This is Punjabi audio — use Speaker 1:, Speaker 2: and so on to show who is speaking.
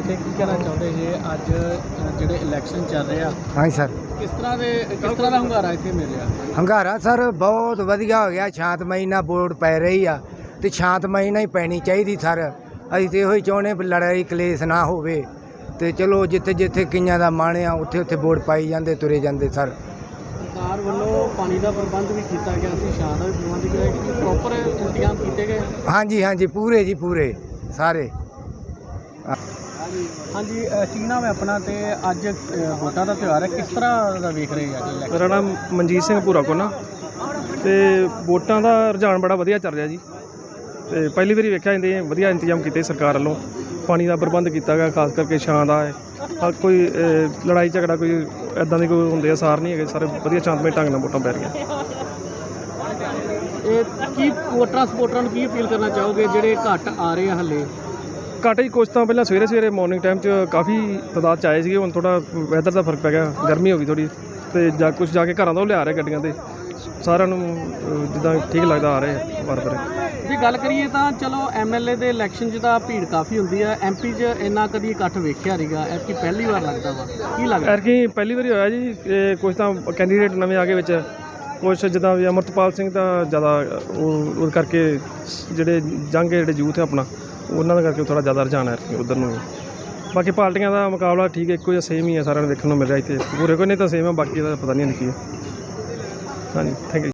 Speaker 1: ਇੱਥੇ ਕੀ ਕਹਿਣਾ ਚਾਹੁੰਦੇ ਜੇ ਅੱਜ ਜਿਹੜੇ ਇਲੈਕਸ਼ਨ ਚੱਲ ਰਹੇ ਆ?
Speaker 2: ਹਾਂਜੀ ਸਰ।
Speaker 1: ਕਿਸ ਤਰ੍ਹਾਂ ਦਾ ਹੁੰਗਾਰਾ ਇੱਥੇ ਮਿਲਿਆ?
Speaker 2: ਹੰਗਾਰਾ ਸਰ ਬਹੁਤ ਵਧੀਆ ਹੋ ਗਿਆ। ਸ਼ਾਂਤਮਈ ਨਾਲ ਵੋਟ ਪੈ ਰਹੀ ਆ ਤੇ ਸ਼ਾਂਤਮਈ ਨਾਲ ਹੀ ਪੈਣੀ ਚਾਹੀਦੀ ਸਰ। ਅਸੀਂ ਤੇ ਇਹੋ ਹੀ ਚਾਹੁੰਦੇ ਵੀ ਲੜਾਈ ਕਲੇਸ਼ ਨਾ ਹੋਵੇ ਤੇ ਚਲੋ ਜਿੱਥੇ ਜਿੱਥੇ ਕਈਆਂ ਦਾ ਮਨ ਆ ਉੱਥੇ ਉੱਥੇ ਵੋਟ ਪਾਈ ਜਾਂਦੇ ਤੁਰੇ ਜਾਂਦੇ ਸਰ।
Speaker 1: ਸਰਕਾਰ ਵੱਲੋਂ ਪਾਣੀ ਦਾ ਪ੍ਰਬੰਧ ਵੀ ਕੀਤਾ ਗਿਆ ਸੀ, ਛਾਂ ਦਾ ਵੀ ਪ੍ਰਬੰਧ ਕੀਤਾ ਗਿਆ, ਪ੍ਰੋਪਰ ਇੰਤਜ਼ਾਮ ਕੀਤੇ ਗਏ?
Speaker 2: ਹਾਂਜੀ ਹਾਂਜੀ ਪੂਰੇ ਜੀ ਪੂਰੇ ਸਾਰੇ।
Speaker 1: ਹਾਂਜੀ, ਕੀ ਨਾਮ ਹੈ ਆਪਣਾ ਤੇ ਅੱਜ ਵੋਟਾਂ ਦਾ ਤਿਉਹਾਰ ਹੈ, ਕਿਸ ਤਰ੍ਹਾਂ ਦਾ ਵੇਖ ਰਹੇ ਆ?
Speaker 3: ਮੇਰਾ ਨਾਮ ਮਨਜੀਤ ਸਿੰਘ ਭੂਰਾ ਕੋਨਾ ਤੇ ਵੋਟਾਂ ਦਾ ਰੁਝਾਨ ਬੜਾ ਵਧੀਆ ਚੱਲ ਰਿਹਾ ਜੀ। ਤੇ ਪਹਿਲੀ ਵਾਰੀ ਵੇਖਿਆ ਜਾਂਦੇ ਵਧੀਆ ਇੰਤਜ਼ਾਮ ਕੀਤੇ ਸਰਕਾਰ ਵੱਲੋਂ, ਪਾਣੀ ਦਾ ਪ੍ਰਬੰਧ ਕੀਤਾ ਗਿਆ, ਖਾਸ ਕਰਕੇ ਛਾਂ ਦਾ ਹੈ। ਕੋਈ ਲੜਾਈ ਝਗੜਾ ਕੋਈ ਇੱਦਾਂ ਦੀ ਕੋਈ ਹੁੰਦੇ ਅਸਾਰ ਨਹੀਂ ਹੈਗੇ, ਸਾਰੇ ਵਧੀਆ ਸ਼ਾਂਤਮਈ ਢੰਗ ਨਾਲ ਵੋਟਾਂ ਪੈ ਰਹੀਆਂ।
Speaker 1: ਇਹ ਕੀ ਵੋਟਰਾਂ ਸਪੋਰਟਰਾਂ ਨੂੰ ਕੀ ਅਪੀਲ ਕਰਨਾ ਚਾਹੋਗੇ ਜਿਹੜੇ ਘੱਟ ਆ ਰਹੇ ਆ ਹਲੇ?
Speaker 3: ਘੱਟ ਹੀ ਕੁਛ ਤਾਂ ਪਹਿਲਾਂ ਸਵੇਰੇ ਮੋਰਨਿੰਗ ਟਾਈਮ 'ਚ ਕਾਫੀ ਤਾਦਾਦ 'ਚ ਆਏ ਸੀਗੇ, ਹੁਣ ਥੋੜ੍ਹਾ ਵੈਦਰ ਦਾ ਫਰਕ ਪੈ ਗਿਆ, ਗਰਮੀ ਹੋ ਗਈ ਥੋੜ੍ਹੀ, ਅਤੇ ਕੁਛ ਜਾ ਕੇ ਘਰਾਂ ਤੋਂ ਲਿਆ ਰਹੇ ਗੱਡੀਆਂ 'ਤੇ, ਸਾਰਿਆਂ ਨੂੰ ਜਿੱਦਾਂ ਠੀਕ ਲੱਗਦਾ ਆ ਰਹੇ ਵਾਰ-ਵਾਰ।
Speaker 1: ਜੇ ਗੱਲ ਕਰੀਏ ਤਾਂ ਚਲੋ MLA ਦੇ ਇਲੈਕਸ਼ਨ 'ਚ ਤਾਂ ਭੀੜ ਕਾਫੀ ਹੁੰਦੀ ਹੈ, MP 'ਚ ਇੰਨਾ ਕਦੀ ਇਕੱਠ ਵੇਖਿਆ ਨਹੀਂਗਾ, ਐਤਕੀ ਪਹਿਲੀ ਵਾਰ ਲੱਗਦਾ ਵਾ, ਕੀ ਲੱਗਦਾ?
Speaker 3: ਐਤਕੀ ਪਹਿਲੀ ਵਾਰੀ ਹੋਇਆ ਜੀ। ਕੁਛ ਤਾਂ ਕੈਂਡੀਡੇਟ ਨਵੇਂ ਆ ਗਏ ਵਿੱਚ, ਕੁਛ ਜਿੱਦਾਂ ਵੀ ਅਮਰਤਪਾਲ ਸਿੰਘ ਤਾਂ ਜ਼ਿਆਦਾ ਉਹ ਕਰਕੇ ਜਿਹੜੇ ਜਿਹੜੇ ਯੂਥ ਹੈ ਆਪਣਾ, ਉਹਨਾਂ ਦਾ ਕਰਕੇ ਥੋੜ੍ਹਾ ਜ਼ਿਆਦਾ ਰੁਝਾਨ ਹੈ ਉੱਧਰ ਨੂੰ। ਬਾਕੀ ਪਾਰਟੀਆਂ ਦਾ ਮੁਕਾਬਲਾ ਠੀਕ ਹੈ, ਇੱਕੋ ਜਿਹਾ ਸੇਮ ਹੀ ਹੈ, ਸਾਰਿਆਂ ਨੂੰ ਵੇਖਣ ਨੂੰ ਮਿਲ ਰਿਹਾ ਇੱਥੇ, ਪੂਰੇ ਕੋਈ ਨਹੀਂ ਤਾਂ ਸੇਮ ਹੈ, ਬਾਕੀ ਦਾ ਪਤਾ ਨਹੀਂ ਕੀ ਹੈ। ਹਾਂਜੀ, ਥੈਂਕ ਯੂ।